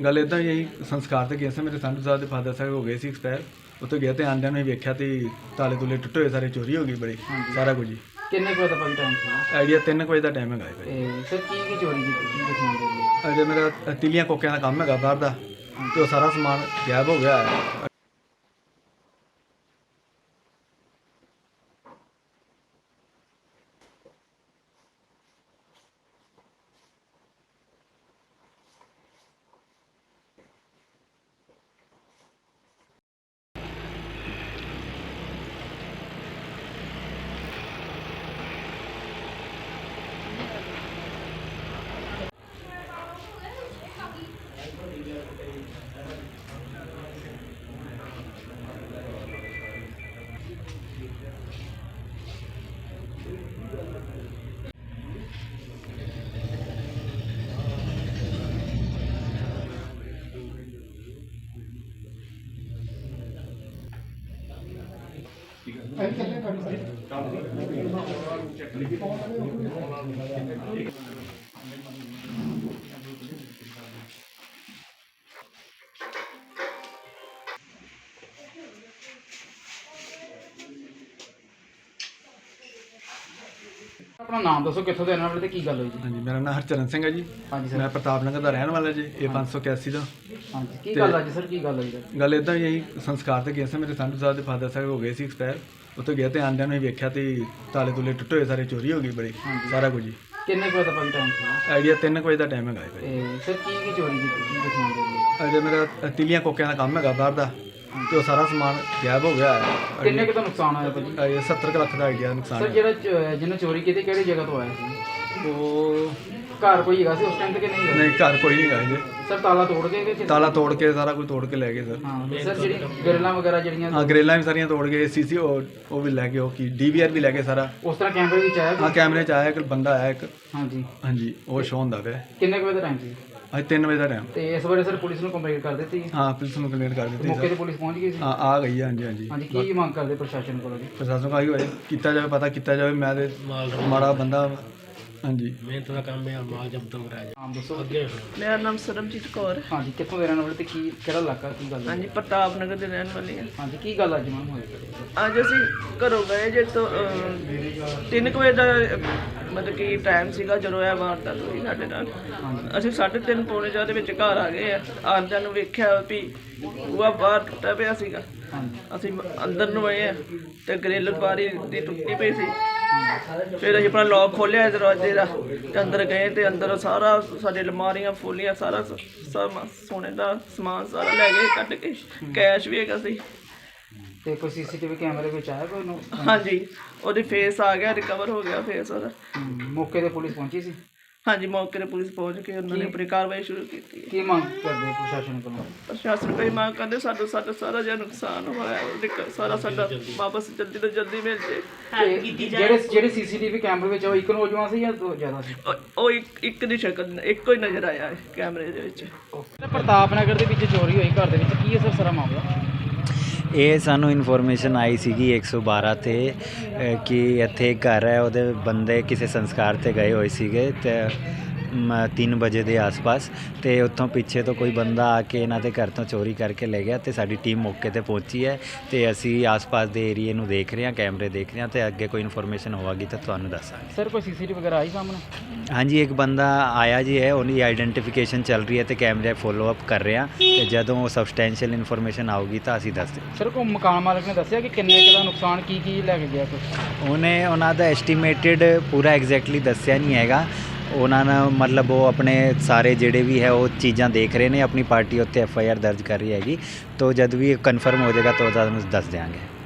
ਗੱਲ ਇੱਦਾਂ ਹੀ ਅਸੀਂ ਸੰਸਕਾਰ 'ਤੇ ਗਏ ਸੀ। ਮੇਰੇ ਸੰਧੂ ਸਾਹਿਬ ਦੇ ਫਾਦਰ ਸਾਹਿਬ ਹੋ ਗਏ ਸੀ ਐਕਸਪਾਇਰ। ਉੱਥੇ ਗਏ ਤੇ ਆਉਂਦਿਆਂ ਨੂੰ ਅਸੀਂ ਵੇਖਿਆ ਤੇ ਤਾਲੇ ਤੁਲੇ ਟੁੱਟੇ ਹੋਏ, ਸਾਰੇ ਚੋਰੀ ਹੋ ਗਈ ਬੜੀ, ਸਾਰਾ ਕੁਝ ਹੀ। ਕਿੰਨੇ ਕੁ ਵਜੇ ਦਾ ਭਾਈ ਟਾਈਮ ਸੀ? ਆਈਡੀਆ 3 ਵਜੇ ਦਾ ਟਾਈਮ ਹੈਗਾ ਹੈ ਭਾਈ। ਸਰ ਕੀ ਚੋਰੀ ਕੀਤੀ, ਕੀ ਦੱਸਣਾ ਚਾਹੁੰਦੇ? ਅਜੇ ਮੇਰਾ ਤਿਲੀਆਂ ਕੋਕਿਆਂ ਦਾ ਕੰਮ ਹੈਗਾ ਬਾਹਰ ਦਾ, ਤੇ ਉਹ ਸਾਰਾ ਸਮਾਨ ਗਾਇਬ ਹੋ ਗਿਆ ਹੈ। ਆਪਣਾ ਨਾਮ ਦੱਸੋ, ਕਿੱਥੋਂ ਦੇ ਰਹਿਣ ਵਾਲੇ ਤੇ ਕੀ ਗੱਲ ਹੋਈ ਜੀ? ਹਾਂਜੀ, ਮੇਰਾ ਨਾਮ ਹਰਚਰਨ ਸਿੰਘ ਹੈ ਜੀ। ਹਾਂਜੀ ਸਰ। ਮੈਂ ਪ੍ਰਤਾਪ ਨਗਰ ਦਾ ਰਹਿਣ ਵਾਲਾ ਜੀ, ਇਹ 581 ਦਾ। ਹਾਂਜੀ, ਕੀ ਗੱਲ ਅੱਜ ਸਰ, ਕੀ ਗੱਲ ਹੋਈ ਸਰ? ਗੱਲ ਇੱਦਾਂ ਹੀ ਅਸੀਂ ਸੰਸਕਾਰ 'ਤੇ ਗਏ ਸੀ। ਮੇਰੇ ਸੰਧੂ ਸਾਹਿਬ ਦੇ ਫਾਦਰ ਸਾਹਿਬ ਹੋ ਗਏ ਸੀ ਐਕਸਪਾਇਰ। ਉੱਥੇ ਗਏ ਤੇ ਆਉਂਦਿਆਂ ਨੂੰ ਅਸੀਂ ਵੇਖਿਆ ਤੇ ਤਾਲੇ ਤੁਲੇ ਟੁੱਟੇ ਹੋਏ, ਸਾਰੇ ਚੋਰੀ ਹੋ ਗਈ ਬੜੀ, ਸਾਰਾ ਕੁਝ ਹੀ। ਕਿੰਨੇ ਕੁ ਵਜੇ ਦਾ ਭਾਈ ਟਾਈਮ ਸੀ? ਆਈਡੀਆ 3 ਵਜੇ ਦਾ ਟਾਈਮ ਹੈਗਾ ਹੈ ਭਾਈ। ਸਰ ਕੀ ਚੋਰੀ ਕੀਤੀ, ਕੀ ਦੱਸਣਾ ਚਾਹੁੰਦੇ? ਅਜੇ ਮੇਰਾ ਤਿਲੀਆਂ ਕੋਕਿਆਂ ਦਾ ਕੰਮ ਹੈਗਾ ਬਾਹਰ ਦਾ, ਤੇ ਉਹ ਸਾਰਾ ਸਮਾਨ ਗਾਇਬ ਹੋ ਗਿਆ ਹੈ। ਕਿੰਨੇ ਕੁ ਦਾ ਨੁਕਸਾਨ ਹੋਇਆ ਭਾਜੀ? ਇਹ 70 ਕੁ ਲੱਖ ਦਾ ਆਈਡੀਆ ਨੁਕਸਾਨ ਸਰ ਹੈ। ਜਿਹੜਾ ਜਿਹਨੇ ਚੋਰੀ ਕੀਤੀ ਕਿਹੜੀ ਜਗ੍ਹਾ ਤੋਂ ਆਇਆ ਸੀ? ਉਹ ਘਰ ਕੋਈ ਹੈਗਾ ਸੀ ਉਸ ਟਾਈਮ ਤੇ ਕਿ ਨਹੀਂ ਹੈਗਾ? ਨਹੀਂ, ਘਰ ਕੋਈ ਨਹੀਂ ਹੈਗਾ ਜੀ। ਸਰ ਤਾਲਾ ਤੋੜ ਕੇ ਕਿ ਤਾਲਾ ਤੋੜ ਕੇ ਸਾਰਾ ਕੁਝ ਤੋੜ ਕੇ ਲੈ ਗਏ ਸਰ। ਹਾਂ ਸਰ, ਜਿਹੜੀ ਗਰਲਾਂ ਵਗੈਰਾ ਜਿਹੜੀਆਂ ਹਾਂ, ਗਰੇਲਾਂ ਵੀ ਸਾਰੀਆਂ ਤੋੜ ਗਏ, ਸੀਸੀ ਉਹ ਵੀ ਲੈ ਗਏ, ਉਹ ਕੀ DVR ਵੀ ਲੈ ਗਏ ਸਾਰਾ। ਉਸ ਤਰ੍ਹਾਂ ਕੈਮਰੇ ਵਿੱਚ ਆਇਆ ਹਾਂ, ਕੈਮਰੇ 'ਚ ਆਇਆ ਇੱਕ ਬੰਦਾ ਆਇਆ ਇੱਕ। ਹਾਂਜੀ। ਹਾਂਜੀ, ਉਹ ਸ਼ੋਅ ਹੁੰਦਾ ਪਿਆ। ਕਿੰਨੇ ਕੁ ਵਜੇ ਦਾ ਟਾਈਮ ਸੀ? ਅੱਜ 3 ਵਜੇ ਦਾ ਟਾਈਮ। ਤੇ ਇਸ ਬਾਰੇ ਸਰ ਪੁਲਿਸ ਨੂੰ ਕੰਪਲੇਂਟ ਕਰ ਦਿੱਤੀ? ਹਾਂ, ਪੁਲਿਸ ਨੂੰ ਕੰਪਲੇਂਟ ਕਰ ਦਿੱਤੀ ਮੌਕੇ ਸਰ। ਤੇ ਪੁਲਿਸ ਪਹੁੰਚ ਗਈ ਸੀ? ਹਾਂ, ਆ ਗਈ ਹੈ। ਹਾਂਜੀ ਹਾਂਜੀ। ਹਾਂਜੀ, ਕੀ ਮੰਗ ਕਰਦੇ ਪ੍ਰਸ਼ਾਸਨ ਕੋਲੋਂ ਜੀ? ਪ੍ਰਸ਼ਾਸਨ ਕਾ ਹੋਏ ਕੀਤਾ ਜਾਵੇ, ਪਤਾ ਕੀਤਾ ਜਾਵੇ। ਮੈਂ ਤੇ ਮਾੜਾ ਬੰਦਾ। ਹਾਂਜੀ, ਮਿਹਨਤ ਦਾ ਕੰਮ ਹੈ, ਮਾਲ ਜਬਤ ਕਰਾਇਆ ਨਾਮ ਦੱਸੋ। ਅੱਗੇ ਮੇਰਾ ਨਾਮ ਸਰਬਜੀਤ ਕੌਰ ਹੈ। ਹਾਂਜੀ, ਕਿੱਥੋਂ ਦੇ ਰਹਿਣ ਵਾਲੇ ਤੇ ਕੀ ਕਿਹੜਾ ਇਲਾਕਾ, ਕੀ ਗੱਲ ਹੈ? ਹਾਂਜੀ, ਪ੍ਰਤਾਪ ਨਗਰ ਦੇ ਰਹਿਣ ਵਾਲੀ ਹਾਂ। ਹਾਂਜੀ, ਕੀ ਗੱਲ ਅੱਜ ਮੈਮ ਹੋਈ? ਅੱਜ ਅਸੀਂ ਘਰੋਂ ਗਏ ਜੇ ਤੋਂ 3 ਵਜੇ ਦਾ ਮਤਲਬ ਕਿ ਟਾਈਮ ਸੀਗਾ ਜਦੋਂ ਇਹ ਵਾਰਦਾਤ ਹੋਈ ਸਾਡੇ ਨਾਲ। ਅਸੀਂ 3:30 ਪੌਣੇ 4 ਦੇ ਵਿੱਚ ਘਰ ਆ ਗਏ ਆ। ਆਉਂਦਿਆਂ ਨੂੰ ਵੇਖਿਆ ਵੀ ਬੂਹਾ ਬਾਹਰ ਟੁੱਟਾ ਪਿਆ ਸੀਗਾ। ਅਸੀਂ ਅੰਦਰ ਨੂੰ ਆਏ ਆ ਤੇ ਗ੍ਰਿਲ ਬਾਰੀ ਦੀ ਟੁੱਟੀ ਪਈ ਸੀ। ਫਿਰ ਅਸੀਂ ਆਪਣਾ ਲੌਕ ਖੋਲ੍ਹਿਆ ਦਰਵਾਜ਼ੇ ਦਾ ਤੇ ਅੰਦਰ ਗਏ ਤੇ ਅੰਦਰ ਸਾਰਾ ਸਾਡੇ ਅਲਮਾਰੀਆਂ ਫੋਲੀਆਂ, ਸਾਰਾ ਸੋਨੇ ਦਾ ਸਮਾਨ ਸਾਰਾ ਲੈ ਗਏ ਕੱਢ ਕੇ। ਕੈਸ਼ ਵੀ ਹੈਗਾ ਸੀ। ਤੇ ਕੋਈ CCTV ਕੈਮਰੇ ਵਿੱਚ ਆਇਆ ਕੋਈ ਨੂੰ? ਹਾਂਜੀ, ਉਹਦੀ ਫੇਸ ਆ ਗਿਆ, ਰਿਕਵਰ ਹੋ ਗਿਆ ਫੇਸ ਉਹਦਾ। ਮੌਕੇ ਤੇ ਪੁਲਿਸ ਪਹੁੰਚੀ ਸੀ? ਹਾਂਜੀ, ਮੌਕੇ ਤੇ ਪੁਲਿਸ ਪਹੁੰਚ ਕੇ ਉਹਨਾਂ ਨੇ ਆਪਣੀ ਕਾਰਵਾਈ ਸ਼ੁਰੂ ਕੀਤੀ ਹੈ। ਕੀ ਮੰਗ ਕਰਦੇ ਪ੍ਰਸ਼ਾਸਨ ਕੋਲੋਂ? ਪ੍ਰਸ਼ਾਸਨ ਕੋਈ ਮੰਗ ਕਰਦੇ ਸਾਡਾ ਸਾਰਾ ਜਿਹੜਾ ਨੁਕਸਾਨ ਹੋਇਆ ਸਾਰਾ ਸਾਡਾ ਵਾਪਸ ਜਲਦੀ ਤੋਂ ਜਲਦੀ ਮਿਲ ਜੇ। ਜਿਹੜੇ CCTV ਕੈਮਰੇ ਵਿੱਚ ਉਹ ਇੱਕ ਨੌਜਵਾਨ ਸੀ ਜਾਂ ਦੋ ਜ਼ਿਆਦਾ ਸੀ? ਉਹ ਇੱਕ ਦੀ ਸ਼ਕਲ ਇੱਕੋ ਹੀ ਨਜ਼ਰ ਆਇਆ ਹੈ ਕੈਮਰੇ ਦੇ ਵਿੱਚ। ਪ੍ਰਤਾਪ ਨਗਰ ਦੇ ਵਿੱਚ ਚੋਰੀ ਹੋਈ ਘਰ ਦੇ ਵਿੱਚ, ਕੀ ਹੈ ਸਰ ਸਾਰਾ ਮਾਮਲਾ? ਇਹ ਸਾਨੂੰ ਇਨਫੋਰਮੇਸ਼ਨ ਆਈ ਸੀਗੀ 112 ਤੇ ਕਿ ਇੱਥੇ ਇੱਕ ਘਰ ਹੈ, ਉਹਦੇ ਬੰਦੇ ਕਿਸੇ ਸੰਸਕਾਰ ਤੇ ਗਏ ਹੋਏ ਸੀਗੇ ਤੇ 3 ਵਜੇ ਦੇ ਆਸ-ਪਾਸ, ਤੇ ਉੱਥੋਂ ਪਿੱਛੇ ਤੋਂ ਕੋਈ ਬੰਦਾ ਆ ਕੇ ਇਹਨਾਂ ਦੇ ਘਰ ਤੋਂ ਚੋਰੀ ਕਰਕੇ ਲੈ ਗਿਆ। ਤੇ ਸਾਡੀ ਟੀਮ ਮੌਕੇ ਤੇ ਪਹੁੰਚੀ ਹੈ ਤੇ ਅਸੀਂ ਆਸ-ਪਾਸ ਦੇ ਏਰੀਏ ਨੂੰ ਦੇਖ ਰਹੇ ਹਾਂ, ਕੈਮਰੇ ਦੇਖ ਰਹੇ ਹਾਂ, ਤੇ ਅੱਗੇ ਕੋਈ ਇਨਫੋਰਮੇਸ਼ਨ ਹੋਵੇਗੀ ਤਾਂ ਤੁਹਾਨੂੰ ਦੱਸਾਂਗੇ। ਸਰ ਕੋਈ CCTV ਵਗੈਰਾ ਆਈ ਸਾਹਮਣੇ? ਹਾਂਜੀ, ਇੱਕ ਬੰਦਾ ਆਇਆ ਜੀ ਹੈ, ਉਹਦੀ ਆਈਡੈਂਟੀਫਿਕੇਸ਼ਨ ਚੱਲ ਰਹੀ ਹੈ ਤੇ ਕੈਮਰੇ ਫੋਲੋ ਅਪ ਕਰ ਰਹੇ ਹਾਂ, ਤੇ ਜਦੋਂ ਸਬਸਟੈਂਸ਼ੀਅਲ ਇਨਫੋਰਮੇਸ਼ਨ ਆਊਗੀ ਤਾਂ ਅਸੀਂ ਦੱਸ ਦਿਆਂਗੇ। ਸਰ ਕੋਈ ਮਕਾਨ ਮਾਲਕ ਨੇ ਦੱਸਿਆ ਕਿ ਕਿੰਨੇ ਕੁ ਦਾ ਨੁਕਸਾਨ, ਕੀ ਲੈ ਕੇ ਗਿਆ ਕੁਛ? ਉਹਨਾਂ ਦਾ ਐਸਟੀਮੇਟਡ ਪੂਰਾ ਐਗਜ਼ੈਕਟਲੀ ਦੱਸਿਆ ਨਹੀਂ ਹੈਗਾ। ਉਹਨਾਂ ਨੇ ਮਤਲਬ ਉਹ ਆਪਣੇ ਸਾਰੇ ਜਿਹੜੇ ਵੀ ਹੈ ਉਹ ਚੀਜ਼ਾਂ ਦੇਖ ਰਹੇ ਨੇ, ਆਪਣੀ ਪਾਰਟੀ ਉੱਤੇ FIR ਦਰਜ ਕਰ ਰਹੀ ਹੈਗੀ। ਤਾਂ ਜਦ ਵੀ ਕਨਫਰਮ ਹੋ ਜਾਏਗਾ ਤਾਂ ਤੁਹਾਨੂੰ ਦੱਸ ਦਿਆਂਗੇ।